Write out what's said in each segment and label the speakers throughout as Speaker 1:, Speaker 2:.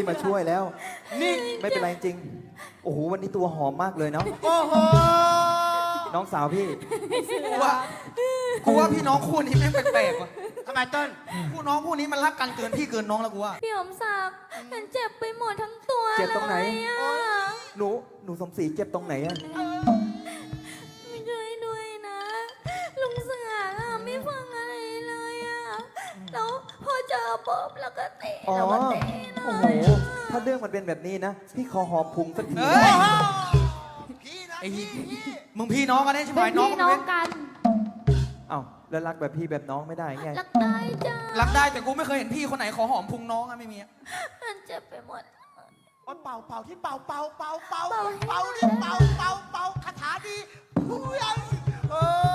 Speaker 1: ที่มาช่วยแล้วนี่ไม่เป็นไรจริงโอ้โหวันนี้ตัวหอมมากเลยเนาะ
Speaker 2: โอ้โห
Speaker 1: น้องสาวพี่
Speaker 2: กูว่าพี่น้องคู่นี้แม่งแปลกๆว่ะทำไมเติ้ลคู่น้องคู่นี้มันรักกันเกินพี่เกินน้องแล้วกูว่า
Speaker 3: พี่สมศักดิ์ฉันเจ็บไปหมดทั้งตัว
Speaker 1: เจ็บตรงไหน
Speaker 3: เลยอะ
Speaker 1: หนูสมศรีเจ็บตรงไหนอะ
Speaker 3: ไม่ช่วยด้วยนะ ลุงเสืออะไม่ฟังอะไรเลยอะแล้วพอเจอปุ๊บแล้วก็เตะ
Speaker 1: อ๋อ
Speaker 3: แล้วก็เตะ
Speaker 1: โอ้โหถ้าเรื่องมันเป็นแบบนี้นะพี่ขอหอมพุงสักที
Speaker 2: เฮ้ยไอ้มึงพี่น้องกันได้ใช่ไหม
Speaker 3: เป็น
Speaker 2: น้อง
Speaker 3: พี่
Speaker 2: กัน
Speaker 3: น้อ
Speaker 2: ไหม
Speaker 3: งกัน
Speaker 1: เอ้าแล้วรักแบบพี่แบบน้องไม่ได้ไง
Speaker 3: รักได้จ้า
Speaker 2: รักได้แต่กูไม่เคยเห็นพี่คนไหนขอหอมพุงน้องอะไม่มีอะ
Speaker 3: ฉันเจ็บไปหมด
Speaker 4: เป่าเป่าที่เป่าเป่าเป่าเป่า
Speaker 3: เป่า
Speaker 4: เป่าที่เป่าเป่าเป่าคาถาดีผู้ยังเอ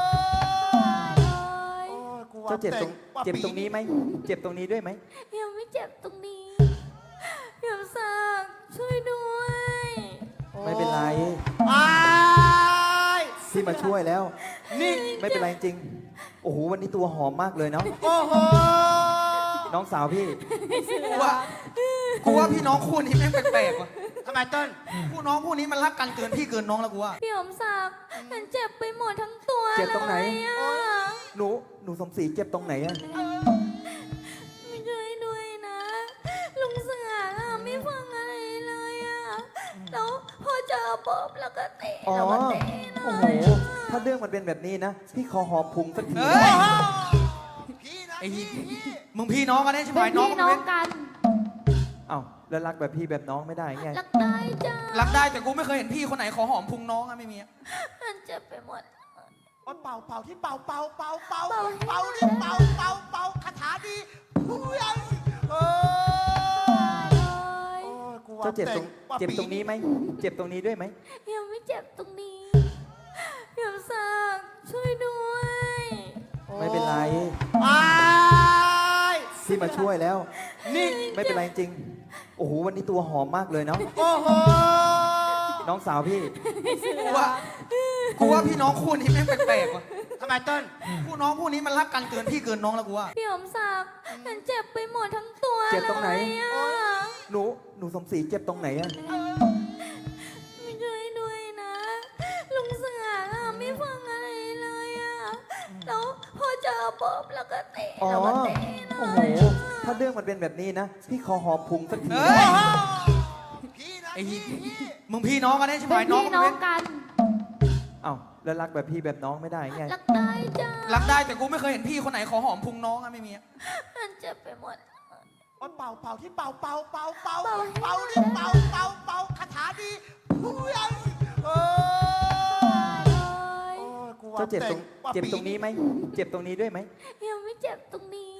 Speaker 4: อกูว่า
Speaker 1: เจ้าเจ็บตรง
Speaker 4: ว่า
Speaker 1: เจ็บตรงนี้ไหมเจ็บตรงนี้ด้วยไหม
Speaker 3: ยังไม่เจ็บตรงนี้พี่สมศักดิ์ช่วยด้วย
Speaker 1: ไม่เป็นไร
Speaker 4: อ้าย
Speaker 1: ที่มาช่วยแล้วนี่ไม่เป็นไรจริงโอ้โหวันนี้ตัวหอมมากเลยเนาะ
Speaker 4: โอ้โห
Speaker 1: น้องสาวพี่
Speaker 2: กูว่าพี่น้องคู่นี้แม่งแปลกๆว่ะ
Speaker 4: ทำไมเติ้ล
Speaker 2: คู่น้องคู่นี้มันรักกันเกินพี่เกินน้องแล้วกูว่า
Speaker 3: พี่สมศักดิ์ฉันเจ็บไปหมดทั้งตัว
Speaker 1: เจ็บตรงไหน
Speaker 3: เลยอะ
Speaker 1: หนูสมศรีเจ็บตรงไหนอะ
Speaker 3: ไม่ช่วยด้วยนะ ลุงเสืออะไม่ฟังอะไรเลยอะแล้วพอเจอปุ๊บแล้วก็เตะ
Speaker 1: อ๋อ
Speaker 3: แล้วก็เตะ
Speaker 1: โอ้โหถ้าเรื่องมันเป็นแบบนี้นะพี่ขอหอมพุงสักที
Speaker 2: เฮ้ย
Speaker 4: พี่นะ
Speaker 2: ไอ้
Speaker 4: พี่
Speaker 2: มึงพี่น้องกันได้ใช่ไหม
Speaker 3: เป็น
Speaker 2: น้อง
Speaker 3: พี่
Speaker 2: กัน
Speaker 3: น้
Speaker 2: ไห
Speaker 3: อ
Speaker 2: ม
Speaker 3: งกัน
Speaker 1: เอ้าแล้วรักแบบพี่แบบน้องไม่ได้ไง
Speaker 3: รักได้จ้า
Speaker 2: รักได้แต่กูไม่เคยเห็นพี่คนไหนขอหอมพุงน้องอะไม่มีอะ
Speaker 3: ฉันเจ็บไปหมด
Speaker 4: เป่าเป่าที่เป่าเป่าเป่าเป่า
Speaker 3: เป่า
Speaker 4: เป่าที่เป่าเป่าเป่าคาถาดีผู้ยังเออกูว่า
Speaker 1: เจ้าเจ็บตรง
Speaker 4: ว่า
Speaker 1: เจ็บตรงนี้ไหมเจ็บตรงนี้ด้วยไหม
Speaker 3: ยังไม่เจ็บตรงนี้พี่สมศักดิ์ช่วยด้วย
Speaker 1: ไม่เป็นไร
Speaker 4: อ้าย
Speaker 1: ที่มาช่วยแล้วนี่ไม่เป็นไรจริงโอ้โหวันนี้ตัวหอมมากเลยเนาะ
Speaker 4: โอ้โห
Speaker 1: น้องสาวพี่
Speaker 2: กูว่าพี่น้องคู่นี้แม่งแปลกๆว่ะ
Speaker 4: ทำไมเติ้ล
Speaker 2: คู่น้องคู่นี้มันรักกันเกินพี่เกินน้องแล้วกูว่า
Speaker 3: พี่สมศักดิ์ฉันเจ็บไปหมดทั้งตัว
Speaker 1: เจ็บตรงไหน
Speaker 3: เลยอะ
Speaker 1: หนูสมศรีเจ็บตรงไหนอะ
Speaker 3: ไม่ช่วยด้วยนะ ลุงเสืออะไม่ฟังอะไรเลยอะแล้วพอเจอปุ๊บแล้วก็เตะ
Speaker 1: อ๋อ
Speaker 3: แล้วก็เตะ
Speaker 1: โอ้โหถ้าเรื่องมันเป็นแบบนี้นะพี่ขอหอมพุงสักที
Speaker 2: เฮ้ย
Speaker 4: พี่นะ
Speaker 2: ไอ้
Speaker 4: พี่
Speaker 2: มึงพี่น้องกันได้ใช่ไหม
Speaker 3: เป็น
Speaker 2: น้อง
Speaker 3: พี่
Speaker 2: กัน
Speaker 3: น้
Speaker 2: ไห
Speaker 3: อ
Speaker 2: ม
Speaker 3: งกัน
Speaker 1: เอ้าแล้วรักแบบพี่แบบน้องไม่ได้ไง
Speaker 3: รักได้จ้า
Speaker 2: รักได้แต่กูไม่เคยเห็นพี่คนไหนขอหอมพุงน้องอะไม่มีอะ
Speaker 3: ฉันเจ็บไปหมด
Speaker 4: เป่าเป่าที่เป่าเป่าเป่าเป่า
Speaker 3: เป่า
Speaker 4: เป่าที่เป่าเป่าเป่าคาถาดีผู้ยังเออกูว่า
Speaker 1: เจ้าเจ็บตรง
Speaker 4: ว่า
Speaker 1: เจ็บตรงนี้ไหมเจ็บตรงนี้ด้วยไหม
Speaker 3: ยังไม่เจ็บตรงนี้